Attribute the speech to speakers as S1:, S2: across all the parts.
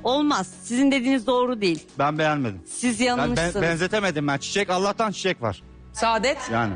S1: Olmaz. Sizin dediğiniz doğru değil.
S2: Ben beğenmedim.
S1: Siz
S2: Ben
S1: yanılmışsınız.
S2: benzetemedim ben. Çiçek, Allah'tan çiçek var.
S3: Saadet.
S2: Yani.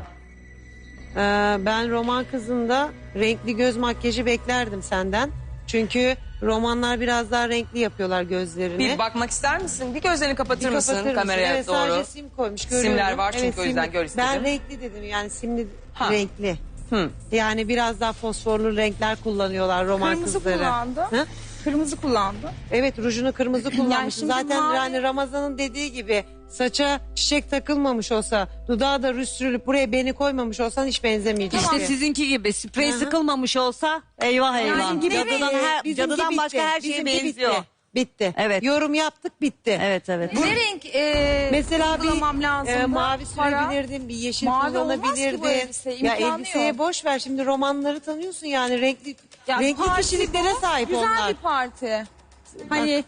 S4: Ben roman kızında renkli göz makyajı beklerdim senden. Çünkü romanlar biraz daha renkli yapıyorlar gözlerini.
S3: Bir bakmak ister misin? Bir gözlerini kapatır
S4: Bir
S3: mısın
S4: kapatır mısın?
S3: kameraya
S4: Evet,
S3: doğru?
S4: sadece sim koymuş görüyorum.
S3: Simler var çünkü
S4: Evet,
S3: o yüzden
S4: simli.
S3: gör istedim.
S4: Ben renkli dedim yani simli
S3: Ha.
S4: renkli.
S3: Hı.
S4: Yani biraz daha fosforlu renkler kullanıyorlar roman
S5: Kırmızı
S4: kızları.
S5: kullandı.
S4: Hı?
S5: Kırmızı kullandı.
S4: Evet rujunu kırmızı kullanmış.
S5: şimdi
S4: Zaten
S5: mavi-
S4: yani Ramazan'ın dediği gibi saça çiçek takılmamış olsa, dudağa da ruj sürülüp buraya beni koymamış olsan hiç benzemeyecek.
S1: İşte sizinki gibi sprey
S4: Hı hı.
S1: sıkılmamış olsa eyvah eyvah.
S4: Gibi
S1: Cadıdan, cadıdan başka her şeye
S4: Bizimki
S1: benziyor.
S4: Bitti.
S1: Evet.
S4: Yorum yaptık bitti.
S1: Evet evet.
S5: Ne renk
S4: Mesela
S5: uygulamam
S4: bir
S5: lazımdı?
S4: mavi
S5: Para.
S4: sürebilirdin, bir yeşil
S5: Mavi olmaz ki bu
S4: kullanabilirdin.
S5: elbise,
S4: Ya
S5: imkanı
S4: elbiseye
S5: yok.
S4: boş ver şimdi romanları tanıyorsun yani renkli
S5: Ya
S4: renkli
S5: parti
S4: kişiliklere
S5: bu,
S4: sahip
S5: güzel
S4: onlar.
S5: bir parti. Hani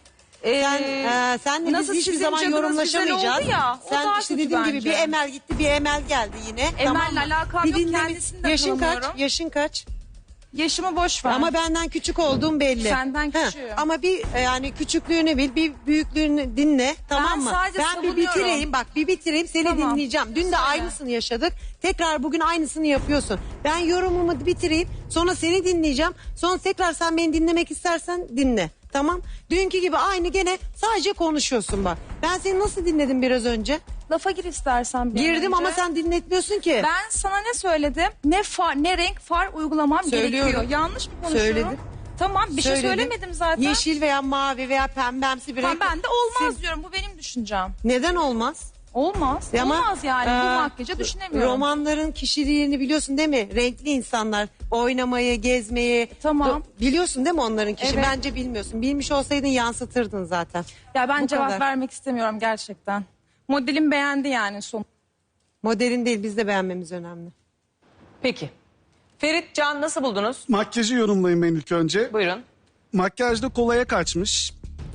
S4: Senle
S5: nasıl
S4: biz hiçbir
S5: sizin
S4: zaman
S5: cadınız
S4: yorumlaşamayacağız.
S5: güzel oldu ya, o
S4: Sen
S5: daha
S4: işte
S5: kötü
S4: dediğim gibi
S5: bence.
S4: bir Emel gitti bir Emel geldi yine.
S5: Emel'le
S4: mı?
S5: alakam
S4: Bir
S5: yok,
S4: dinle-
S5: kendisini de
S4: Yaşın kaç?
S5: tanımıyorum.
S4: Yaşın kaç?
S5: yaşımı boş ver.
S4: Ama benden küçük olduğum belli.
S5: Senden
S4: Ha,
S5: küçüğüm.
S4: Ama bir yani küçüklüğünü bil, bir büyüklüğünü dinle, tamam mı?
S5: sadece
S4: Ben bir
S5: savunuyorum.
S4: bitireyim, bak bir bitireyim, seni
S5: Tamam.
S4: dinleyeceğim. Dün de
S5: Söyle.
S4: aynısını yaşadık. Tekrar bugün aynısını yapıyorsun. Ben yorumumu bitireyim, sonra seni dinleyeceğim. Sonra tekrar sen beni dinlemek istersen dinle. Tamam? Dünkü gibi aynı gene sadece konuşuyorsun bak. Ben seni nasıl dinledim biraz önce?
S5: Lafa gir istersen bir an
S4: Girdim
S5: önce.
S4: ama sen dinletmiyorsun ki.
S5: Ben sana ne söyledim? Ne renk far uygulamam
S4: Söylüyorum.
S5: gerekiyor. Yanlış mı konuşuyorum?
S4: Söyledim.
S5: Tamam bir şey
S4: Söyledim.
S5: söylemedim zaten.
S4: Yeşil veya mavi veya pembemsi bir
S5: Tamam,
S4: renk.
S5: ben de olmaz
S4: Sil-
S5: diyorum. Bu benim düşüncem.
S4: Neden olmaz?
S5: Olmaz.
S4: Ama,
S5: Olmaz yani. Bu
S4: e,
S5: makyajı düşünemiyorum.
S4: Romanların kişiliğini biliyorsun değil mi? Renkli insanlar oynamayı, gezmeyi.
S5: Tamam.
S4: Biliyorsun değil mi onların kişi?
S5: Evet.
S4: Bence bilmiyorsun. Bilmiş olsaydın yansıtırdın zaten.
S5: Ya ben
S4: Bu
S5: cevap
S4: kadar.
S5: vermek istemiyorum gerçekten. Modelim beğendi yani son.
S4: Modelin değil biz de beğenmemiz önemli.
S3: Peki. Ferit, Can nasıl buldunuz?
S6: Makyajı yorumlayayım ben ilk önce.
S3: Buyurun.
S6: Makyajda kolaya kaçmış.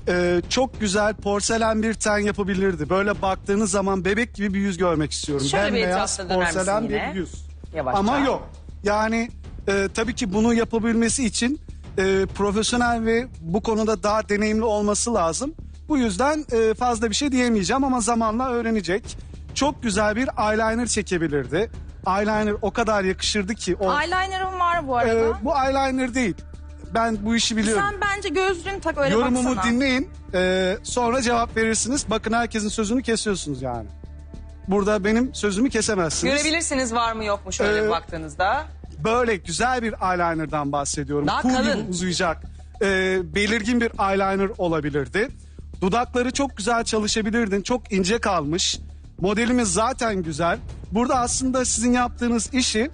S6: Çok güzel porselen bir ten yapabilirdi. Böyle baktığınız zaman bebek gibi bir yüz görmek istiyorum.
S3: Şöyle bir
S6: Bembeyaz
S3: etrafına döner
S6: porselen
S3: misin yine?
S6: bir yüz.
S3: Yavaşça.
S6: Ama yok. Yani tabii ki bunu yapabilmesi için profesyonel ve bu konuda daha deneyimli olması lazım. Bu yüzden fazla bir şey diyemeyeceğim ama zamanla öğrenecek. Çok güzel bir eyeliner çekebilirdi. Eyeliner o kadar yakışırdı ki.
S5: Eyeliner'ım var bu arada.
S6: Bu eyeliner değil. Ben bu işi biliyorum.
S5: Sen bence gözlüğünü tak öyle
S6: Yorumumu
S5: baksana.
S6: dinleyin. Sonra cevap verirsiniz. Bakın herkesin sözünü kesiyorsunuz yani. Burada benim sözümü kesemezsiniz.
S3: Görebilirsiniz var mı yok mu şöyle baktığınızda.
S6: Böyle güzel bir eyeliner'dan bahsediyorum.
S3: Daha
S6: Kuğu
S3: kalın.
S6: gibi uzayacak. Belirgin bir eyeliner olabilirdi. Dudakları çok güzel çalışabilirdin. Çok ince kalmış. Modelimiz zaten güzel. Burada aslında sizin yaptığınız işi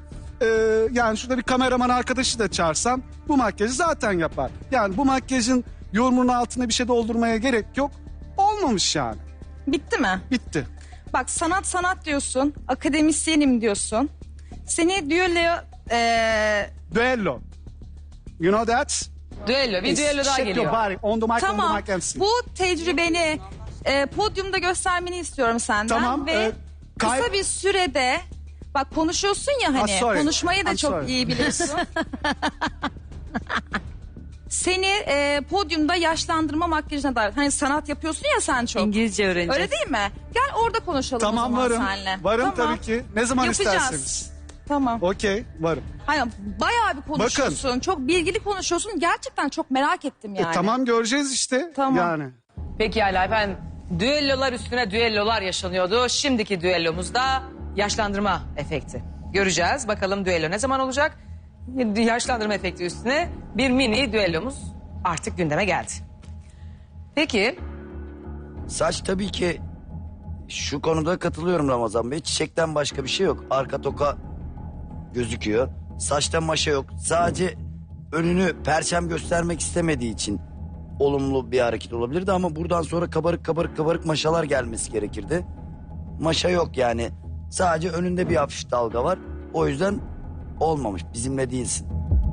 S6: yani şurada bir kameraman arkadaşı da çağırsam bu makyajı zaten yapar. Yani bu makyajın yorumunun altına bir şey doldurmaya gerek yok. Olmamış yani.
S5: Bitti mi?
S6: Bitti.
S5: Bak sanat diyorsun. Akademisyenim diyorsun. Seni düelloya
S6: Duello. You know that?
S3: Düello, bir düello daha
S6: Shake
S3: geliyor.
S6: your body on the mic, on
S5: tamam.
S6: the mic MC.
S5: Bu tecrübeni podyumda göstermeni istiyorum senden.
S6: Tamam,
S5: Ve kısa bir sürede bak konuşuyorsun ya hani
S6: sorry.
S5: konuşmayı da
S6: I'm
S5: çok
S6: sorry.
S5: iyi biliyorsun. Seni podyumda yaşlandırma makyajına davet. Hani sanat yapıyorsun ya sen çok.
S1: İngilizce öğreneceğiz.
S5: Öyle değil mi? Gel orada konuşalım
S6: Tamam
S5: o zaman
S6: varım.
S5: seninle.
S6: Varım
S5: Tamam.
S6: tabii ki. Ne zaman
S5: Yapacağız.
S6: isterseniz.
S5: Tamam.
S6: Okey varım.
S5: Hani bayağı bir konuşuyorsun. Çok bilgili konuşuyorsun. Gerçekten çok merak ettim yani.
S6: Tamam göreceğiz işte.
S5: Tamam.
S6: Yani.
S3: Peki hala efendim düellolar üstüne düellolar yaşanıyordu. Şimdiki düellomuzda yaşlandırma efekti. Göreceğiz bakalım düello ne zaman olacak? Yaşlandırma efekti üstüne bir mini düellomuz artık gündeme geldi. Peki
S7: Saç tabii ki şu konuda katılıyorum Ramazan Bey. Çiçekten başka bir şey yok. Arka toka gözüküyor. Saçta maşa yok. Sadece önünü perçem göstermek istemediği için olumlu bir hareket olabilirdi. Ama buradan sonra kabarık maşalar gelmesi gerekirdi. Maşa yok yani. Sadece önünde bir hafif dalga var. O yüzden olmamış. Bizimle değilsin.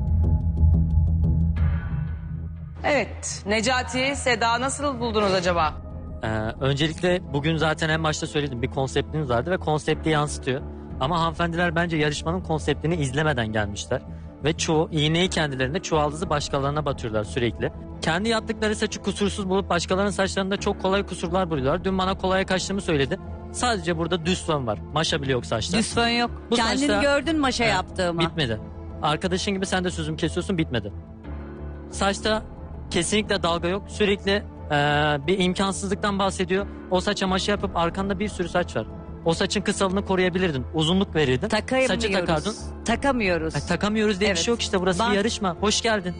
S3: evet Necati, Seda nasıl buldunuz acaba?
S8: Öncelikle bugün zaten en başta söyledim bir konseptiniz vardı ve konsepti yansıtıyor. Ama hanımefendiler bence yarışmanın konseptini izlemeden gelmişler. Ve çoğu iğneyi kendilerinde çuvaldızı başkalarına batırıyorlar sürekli. kendi yaptıkları saçı kusursuz bulup başkalarının saçlarında çok kolay kusurlar buluyorlar. Dün bana kolaya kaçtığımı söyledi. Sadece burada düz fön var. Maşa bile yok saçta.
S1: Düz fön yok.
S8: Bu
S1: Kendini
S8: saçta-
S1: gördün maşa
S8: Evet,
S1: yaptığımı.
S8: Bitmedi. Arkadaşın gibi sen de sözümü kesiyorsun, bitmedi. Saçta kesinlikle dalga yok. Sürekli bir imkansızlıktan bahsediyor. O saça maşa yapıp arkanda bir sürü saç var. O saçın kısalığını koruyabilirdin. Uzunluk verirdin. Saçı takardın.
S1: Takamıyoruz. Takamıyoruz.
S8: Takamıyoruz diye bir
S1: Evet.
S8: şey yok işte. Burası bir
S1: Bak-
S8: yarışma. Hoş geldin.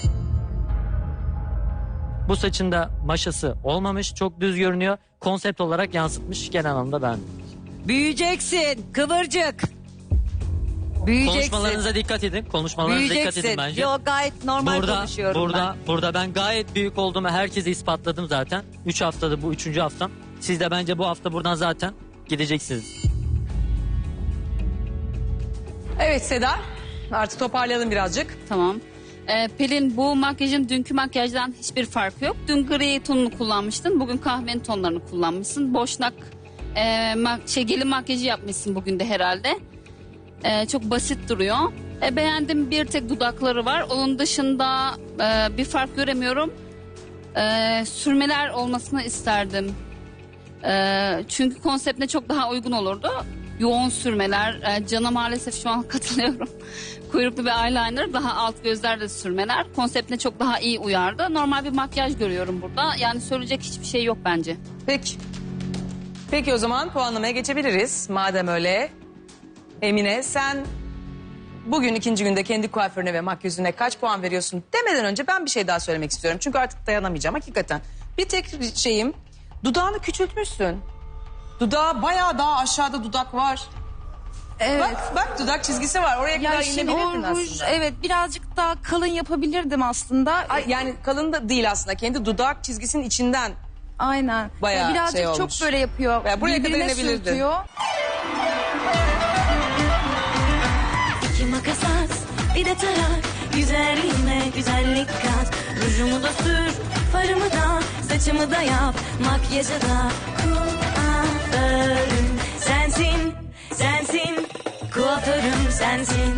S8: Bu saçın da maşası olmamış. Çok düz görünüyor. Konsept olarak yansıtmış. Kenan Hanım da ben.
S1: Büyüyeceksin kıvırcık. Büyüyeceksin.
S8: Konuşmalarınıza dikkat edin. Konuşmalarınıza dikkat edin
S1: Büyüyeceksin.
S8: bence.
S1: Yok gayet normal konuşuyorum ben.
S8: Burada ben gayet büyük olduğumu herkese ispatladım zaten. 3 haftada bu 3. haftam. Siz de bence bu hafta buradan zaten gideceksiniz.
S3: Evet Seda, artık toparlayalım birazcık.
S9: Tamam. Pelin, bu makyajın dünkü makyajdan hiçbir farkı yok. Dün gri tonunu kullanmıştın. Bugün kahvenin tonlarını kullanmışsın. Boşnak gelin makyajı yapmışsın bugün de herhalde. Çok basit duruyor. Beğendim, bir tek dudakları var. Onun dışında bir fark göremiyorum. Sürmeler olmasını isterdim. Çünkü konseptine çok daha uygun olurdu. Yoğun sürmeler. Can'a maalesef şu an katılıyorum. Kuyruklu bir eyeliner, daha alt gözlerde sürmeler. Konseptine çok daha iyi uyardı. Normal bir makyaj görüyorum burada. Yani söyleyecek hiçbir şey yok bence.
S3: Peki. Peki o zaman puanlamaya geçebiliriz. Madem öyle. Emine, sen bugün ikinci günde kendi kuaförüne ve makyözüne kaç puan veriyorsun demeden önce ben bir şey daha söylemek istiyorum. Çünkü artık dayanamayacağım hakikaten. Bir tek şeyim, dudağını küçültmüşsün. Dudağı bayağı daha aşağıda dudak var.
S5: Evet.
S3: Bak dudak çizgisi var. Oraya kadar
S5: şimdi o
S3: inebilirdin
S5: ruj,
S3: aslında.
S5: evet, birazcık daha kalın yapabilirdim aslında.
S3: Ay, yani kalın da değil aslında. Kendi dudak çizgisinin içinden.
S5: Aynen.
S3: Bayağı
S5: birazcık
S3: şey
S5: çok
S3: olmuş.
S5: böyle yapıyor.
S3: Ya buraya kadar
S5: Birbirine
S3: inebilirdin.
S5: sürtüyor.
S10: İki makas at, bir de tarak. Güzelliğime güzellik kat. Rujumu da sür, farımı da, saçımı da yap. Makyajı da kuaförüm sensin, sensin. Kuaförüm sensin.